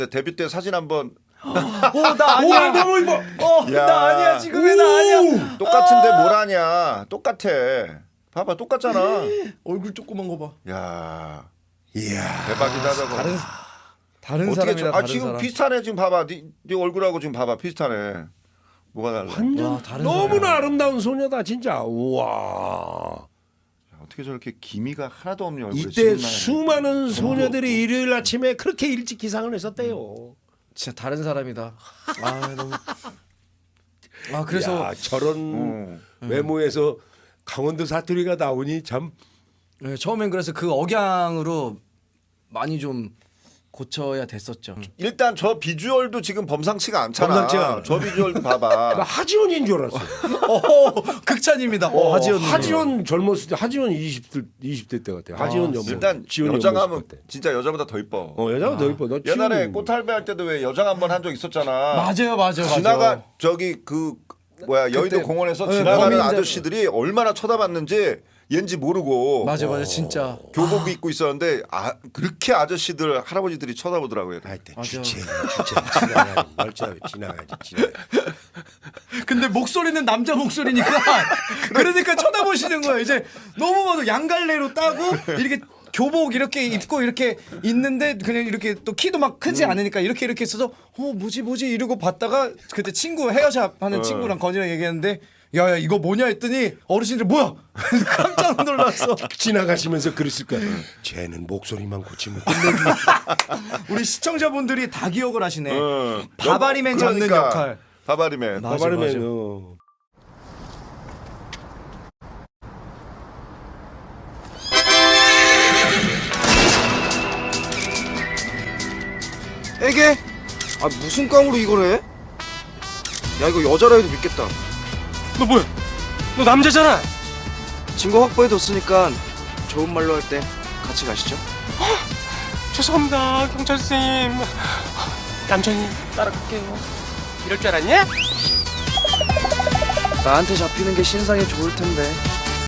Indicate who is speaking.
Speaker 1: 데뷔 때 사진 한번
Speaker 2: 나 아니야.
Speaker 3: 너무 이뻐.
Speaker 1: 야.
Speaker 2: 나 아니야. 지금의 나 아니야.
Speaker 1: 똑같은데 뭘 하냐? 똑같아. 봐봐 똑같잖아.
Speaker 2: 얼굴 조그만 거 봐.
Speaker 1: 야
Speaker 3: 이야.
Speaker 1: 대박이다 저거.
Speaker 2: 다른
Speaker 1: 어떻게
Speaker 2: 사람이다. 다른
Speaker 1: 지금
Speaker 2: 사람.
Speaker 1: 비슷하네 지금 봐봐. 네 얼굴하고 지금 봐봐 비슷하네. 뭐가 달라?
Speaker 3: 완전
Speaker 2: 와, 다른
Speaker 3: 너무나 아름다운 소녀다 진짜. 우와.
Speaker 1: 어떻게 저렇게 기미가 하나도 없는 얼굴에
Speaker 3: 이때
Speaker 1: 지금
Speaker 3: 수많은 소녀들이 일요일 아침에 그렇게 일찍 기상을 했었대요.
Speaker 2: 진짜 다른 사람이다. 아 너무. 아 그래서
Speaker 3: 야, 저런 외모에서 강원도 사투리가 나오니 참.
Speaker 2: 네, 처음엔 그래서 그 억양으로 많이 좀 고쳐야 됐었죠.
Speaker 1: 일단 저 비주얼도 지금 범상치가 않잖아.
Speaker 3: 범상치가 않아.
Speaker 1: 저 비주얼도
Speaker 3: 나
Speaker 1: 봐봐.
Speaker 3: 하지원인 줄 알았어.
Speaker 2: 극찬입니다. 하지원.
Speaker 3: 하지원 젊었을 때 하지원 20대 때 같아. 하지원 연모.
Speaker 1: 일단
Speaker 3: 지원이
Speaker 1: 여장
Speaker 3: 연모습
Speaker 1: 하면
Speaker 3: 같아.
Speaker 1: 진짜 여자보다 더 이뻐.
Speaker 3: 여자가 더 이뻐. 너
Speaker 1: 옛날에
Speaker 3: 지원이
Speaker 1: 꽃할배 할 때도 왜 여장 한번 한 적 있었잖아.
Speaker 2: 맞아요.
Speaker 1: 지나가 저기 그 뭐야 여의도
Speaker 2: 그때
Speaker 1: 공원에서
Speaker 2: 네,
Speaker 1: 지나가는
Speaker 2: 범인들-
Speaker 1: 아저씨들이 얼마나 쳐다봤는지 왠지 모르고
Speaker 2: 맞아 진짜.
Speaker 1: 교복 입고 있었는데 그렇게 아저씨들 할아버지들이 쳐다보더라고요.
Speaker 3: 하여튼
Speaker 2: 맞아.
Speaker 3: 주체 지나가야지. 멀쩡하게 지나가야지.
Speaker 2: 근데 목소리는 남자 목소리니까 그러니까 쳐다보시는 거예요. 이제 너무 봐도 양갈래로 따고 이렇게 교복 이렇게 입고 이렇게 있는데 그냥 이렇게 또 키도 막 크지 않으니까 이렇게 있어서 뭐지 이러고 봤다가 그때 친구 헤어샵 하는 친구랑 건이랑 얘기했는데 야야 이거 뭐냐 했더니 어르신들 뭐야 깜짝 놀랐어.
Speaker 3: 지나가시면서 그랬을 거야. 쟤는 목소리만 고치면 끝내주고.
Speaker 2: 우리 시청자분들이 다 기억을 하시네.
Speaker 1: 어.
Speaker 2: 바바리맨 잡는
Speaker 1: 그러니까,
Speaker 2: 역할.
Speaker 1: 바바리맨.
Speaker 2: 맞아.
Speaker 3: 바바르면
Speaker 4: 에게? 아 무슨 깡으로 이걸 해? 야 이거 여자라 해도 믿겠다.
Speaker 5: 너 뭐야? 너 남자잖아.
Speaker 4: 증거 확보해뒀으니까 좋은 말로 할 때 같이 가시죠.
Speaker 5: 죄송합니다, 경찰 선생님. 얌전히 따라갈게요. 이럴 줄 알았냐?
Speaker 4: 나한테 잡히는 게 신상에 좋을 텐데.